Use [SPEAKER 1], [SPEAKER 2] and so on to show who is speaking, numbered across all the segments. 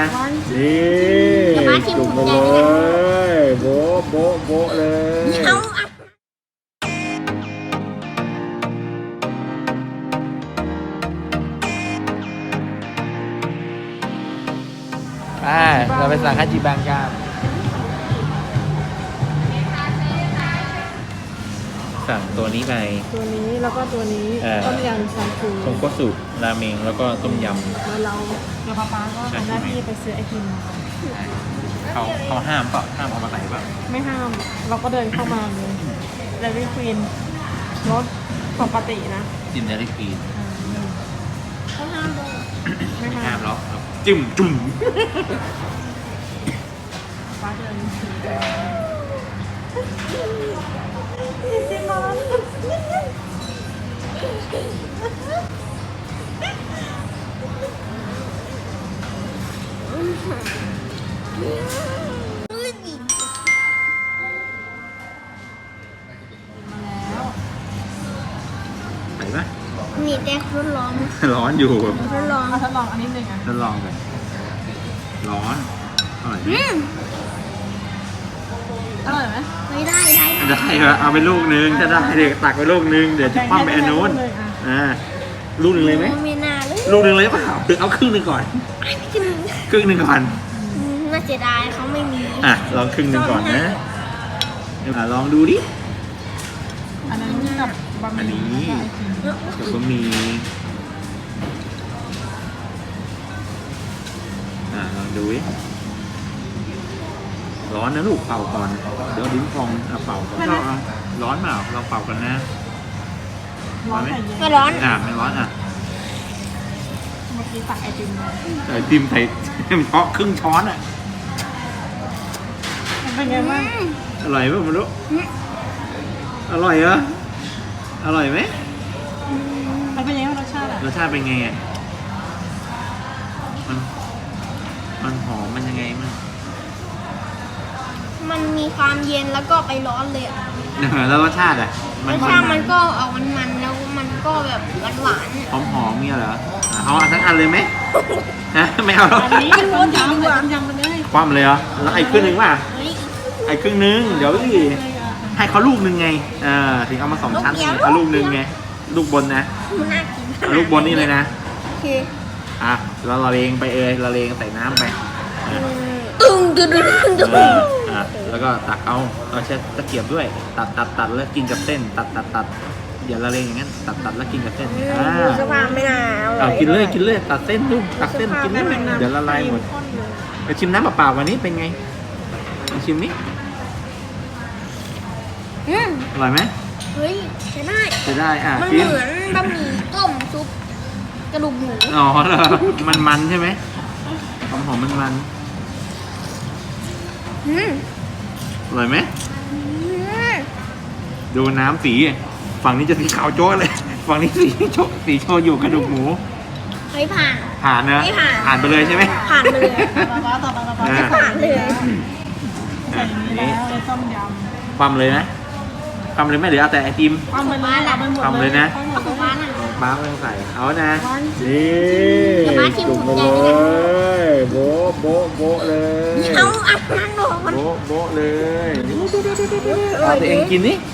[SPEAKER 1] นี่จุ่มไปเลยโบ๊ะโบ๊ะโบ๊ะเลยเราไปสั่งฮาจิบังกันสั่งตัวนี้ไป
[SPEAKER 2] ตัวนี้แล้วก็ตัวนี้ต้มยำชาชู
[SPEAKER 1] ทงคัตสึราเมงแล้วก็ต้มยำ
[SPEAKER 2] แล้วเราเดี๋ยวป้าก็ทำหน้าที่ไปซื้อไอติมมา
[SPEAKER 1] เขาห้ามเปล่าห้ามเอามาใส่เปล่า
[SPEAKER 2] ไม่ห้ามเราก็เดินเข้ามาเลยเดลี่ควีนรถปกตินะ
[SPEAKER 1] จิ้มเดลี่ควีน
[SPEAKER 2] เขาห้ามด้วย
[SPEAKER 1] ไม่ห้ามหรอกจิ้มจุ่ม
[SPEAKER 2] ป้าเดิน
[SPEAKER 1] ไหนปะ
[SPEAKER 3] นี่แต่ทดลอง
[SPEAKER 1] ร้อนอยู่
[SPEAKER 2] ทดลองอันนี้หนึ่งอ่ะ
[SPEAKER 1] ทดลองกันร้อนอร่อย
[SPEAKER 2] อร่อยไหม
[SPEAKER 3] ไม่ได้
[SPEAKER 1] เอาไปลูกนึงถ้าได้เด็กตักไปลูกนึงเดี๋ยวจะปั้มไปอันนู้นลูกนึงเลยไหม
[SPEAKER 3] ไม่น่าเลย
[SPEAKER 1] ลูกนึงเลยเปล่าหรือเอาครึ่งนึงก่อนครึ่งนึงก่อน
[SPEAKER 3] น่าเสียดายเขาไม่มี
[SPEAKER 1] ลองครึ่งนึงก่อนนะลองดูดิ
[SPEAKER 2] อันนั้นกับบะหมี่
[SPEAKER 1] กับบะหมี่ลองดูดิร้อนนะลูกเป่าก่อนเดี๋ยวดิ้นพองเป่าก่อนร้อนเปล่าเราเป่ากันนะ
[SPEAKER 2] ร้อนไหม
[SPEAKER 3] ไม่ร้อน
[SPEAKER 1] ไม่ร้อน
[SPEAKER 2] เมื่อกี้ตักไอติมมา
[SPEAKER 1] ไอติมใส่เพาะครึ่งช้อน
[SPEAKER 2] เป็นไงบ้าง
[SPEAKER 1] อร่อยไหมมันรู้อร่อยเหรออร่อยไหม
[SPEAKER 2] มันเป็นยังไงรสชาติ
[SPEAKER 1] รสชาติเป็นไงมันหอมมันยังไง
[SPEAKER 3] มันมีความเย็นแล้วก็ไปร้อนเลย
[SPEAKER 1] แล้วรสชาติ
[SPEAKER 3] รสชาติมันก็ออกมันแล้วมันก็แบบหวาน
[SPEAKER 1] หอมเนี่ยเหรอเอาทั้งอันเลยไหมไม่เอา
[SPEAKER 2] อันนี้ต้มยำมันเลย
[SPEAKER 1] คว่ำเลยเหรอแล้วไอ้ครึ่งนึงป่ะไอ้ครึ่งนึงเดี๋ยวให้เขาลูกนึงไงถึงเอามา2ชั้นเอาลูกนึงไงลูกบนนะลูกบนนี่เลยนะเราละเลงไปละเลงใส่น้ำไปแล้วก็ตักเอาใช้ตะเกียบด้วยตัดแล้วกินกับเส้นตัดอย่าละเลงอย่างนั้นตัดแล้วกินกับเส้น
[SPEAKER 3] สภาพไม่น่า
[SPEAKER 1] กินเลยตัดเส้นดูตัดเส้นกินเลยเดี๋ยวละลายหมดไปชิมน้ำเปล่าๆวันนี้เป็นไงชิมนี้อร่อยไหม
[SPEAKER 3] เฮ้ยใช้ได้มันเหมือนบะหมี่ต้มซุปกระดูกหมู
[SPEAKER 1] เหรอมันใช่ไหมหอมมันอร่อยไหมดูน้ำสีฝั่งนี้จะสีขาวโจ้เลยฝั่งนี้สีโชอยู่กระดูกหมู
[SPEAKER 3] ไม่ผ่าน
[SPEAKER 1] นะผ่านไปเลยใช่ไหม
[SPEAKER 3] ผ่านไปเลยผ่านเลย
[SPEAKER 2] นี่ต้มยำ
[SPEAKER 1] ปั๊มเลยนะปั๊มเลยไหมหรือเอาแต่ไอติม
[SPEAKER 2] ปั๊ม
[SPEAKER 1] เลยนะบ้าไม่ต้องใส่เอานะนี่จุ่มเลยโบ๊ะโบ๊ะโบ๊ะเลย
[SPEAKER 3] เอานั่งลง
[SPEAKER 1] โบ๊ะโบ๊ะเลยเอาตัวเองกินนี่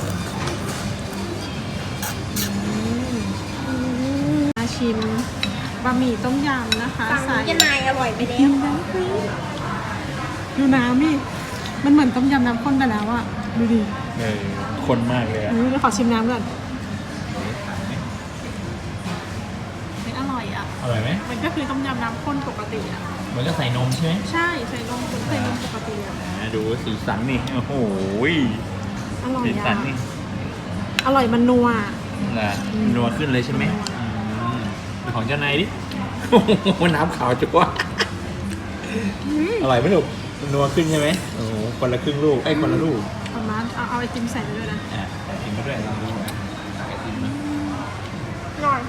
[SPEAKER 2] มาชิมบะหมี่ต้มยำนะคะ
[SPEAKER 3] ใส่จะนายอร่อยไปแล้ว
[SPEAKER 2] ดูน้ำนี่มันเหมือนต้มยำน้ำข้นไปแล้วอะดูดิ
[SPEAKER 1] ข้นมากเลย
[SPEAKER 2] เดี๋ยวขอชิมน้ำก่อนอ
[SPEAKER 1] ร่อยไหม
[SPEAKER 2] มันก็คือต้มยำน้ำข้นปกติ
[SPEAKER 1] มันก็ใส่นมใช่ไหม
[SPEAKER 2] ใช่ใส่นมปกติ
[SPEAKER 1] ดูสีสันนี่โอ้โห
[SPEAKER 2] อร่อย
[SPEAKER 1] สีสันนี่
[SPEAKER 2] อร่อยมันนัว
[SPEAKER 1] นัวขึ้นเลยใช่ไหมของเจ้านายดิน้ำขาวจั๊วอร่อยไหมลูกนัวขึ้นใช่ไหมโอ้โหคนละครึ่งลูกคนละลูก
[SPEAKER 2] เอาไอติมใส่ไปด้วยนะ
[SPEAKER 1] ไอติมไปด้วยลองดูไอติมนะ
[SPEAKER 3] อร่อย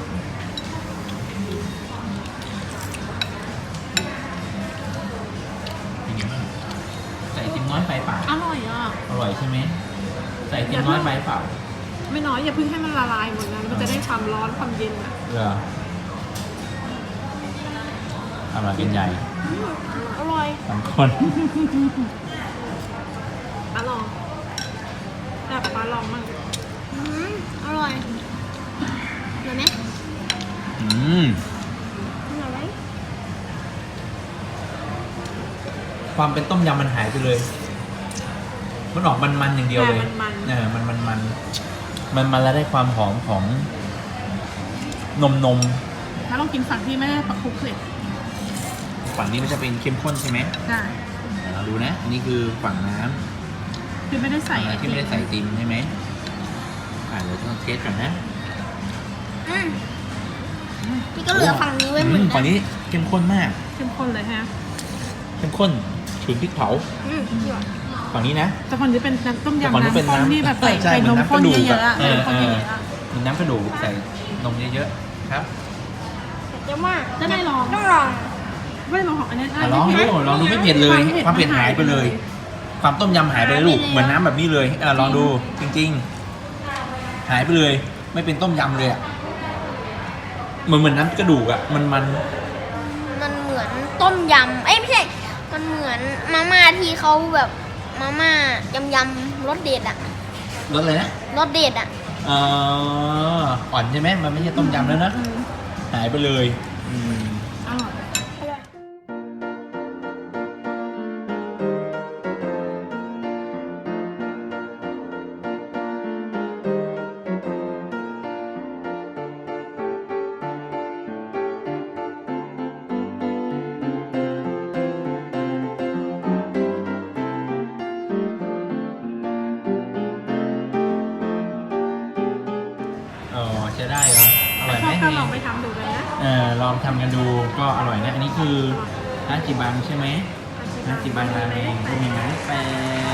[SPEAKER 1] ใส่ไอติมน้อยไปเปล่า
[SPEAKER 2] อร่อย
[SPEAKER 1] อร่อยใช่ไหมใส่ไอติมน้อยไปเปล่า
[SPEAKER 2] ไม่น้อยอย่าเพิ่งให้มันละลายหมดนะมันจะได้ความร้อนความเย็น
[SPEAKER 1] อร่อยเป็นใหญ่
[SPEAKER 2] อร่อย
[SPEAKER 1] สองคน
[SPEAKER 2] ป้าลองแต่ป้าลองมั่ง
[SPEAKER 3] อร่อยอร่อยไหม
[SPEAKER 1] อืม
[SPEAKER 3] อร่อยไหม
[SPEAKER 1] ความเป็นต้มยำมันหายไปเลย มันออกมันๆอย่างเดียวเลยมันแล้วได้ความหอมของนม
[SPEAKER 2] ถ้าลองกินฝั่งที่ไม่ได้ปักคลุกเลย
[SPEAKER 1] ฝั่งนี้มันจะเป็นเข้มข้นใช่ไหม
[SPEAKER 2] ใช่
[SPEAKER 1] เดี๋ยวเราดูนะ อันนี้คือฝั่งน้ำ
[SPEAKER 2] คือไม่ได้ใส่
[SPEAKER 1] ที่ไม่ได้ใส่ติมใช่ไหมเดี๋ยวต้องเทสก่อนนะ
[SPEAKER 3] พี่ก็เหลือฝั่งนี้ไว้เหมือนกั
[SPEAKER 1] ฝั่งนี้เข้มข้นมาก
[SPEAKER 2] เข้มข้นเลยฮะ
[SPEAKER 1] เข้มข้นฉุนพริกเผา ฝั่งนี้นะ
[SPEAKER 2] แต่ฝั่งนี้เป็นน้ำต้ม
[SPEAKER 1] แต่
[SPEAKER 2] ยำ
[SPEAKER 1] ฝั่งนี้เป็น
[SPEAKER 2] น้ำข้น
[SPEAKER 1] น้ำ
[SPEAKER 2] ที่แบบใส่
[SPEAKER 1] ใช่
[SPEAKER 2] นมข้น
[SPEAKER 1] เหมือนน้ำกระดูก
[SPEAKER 2] เยอะๆอะ
[SPEAKER 1] อะ
[SPEAKER 2] นมข้นเยอะๆอะ
[SPEAKER 1] มีน้ำกระดูกใส่นมเยอะๆครับ
[SPEAKER 3] เดี๋ยวมาก
[SPEAKER 2] จะได้ลอง
[SPEAKER 3] ต้องลอง
[SPEAKER 2] ไม่ได้ลองของอันนี้
[SPEAKER 1] ลองดูลองดูไม่เผ็ดเลย ความเผ็ดหายไปเลย ความต้มยำหายไปเลยลูก เหมือนน้ำแบบนี้เลยลองดูจริงๆ หายไปเลย ไม่เป็นต้มยำเลยอ่ะเหมือนน้ำกระดูกอ่ะมัน
[SPEAKER 3] มันเหมือนต้มยำไม่ใช่ มันเหมือนมาม่าที่เขาแบบมาม่ายำรสเด็ดอะ
[SPEAKER 1] รสอะไรนะ
[SPEAKER 3] รสเด็ดอะ
[SPEAKER 1] อ่อนใช่ไหมมันไม่ใช่ต้มยำแล้วนะหายไปเลยอืม
[SPEAKER 2] อร่อย
[SPEAKER 1] ใช้ได้เหรออร่อยไหม
[SPEAKER 2] ถ้าลองไปทำดูกันนะ
[SPEAKER 1] ลองทำกันดูก็อร่อยนะอันนี้คือฮาจิบังใช่ไหมฮาจิบังราเมงก็มีไม้แป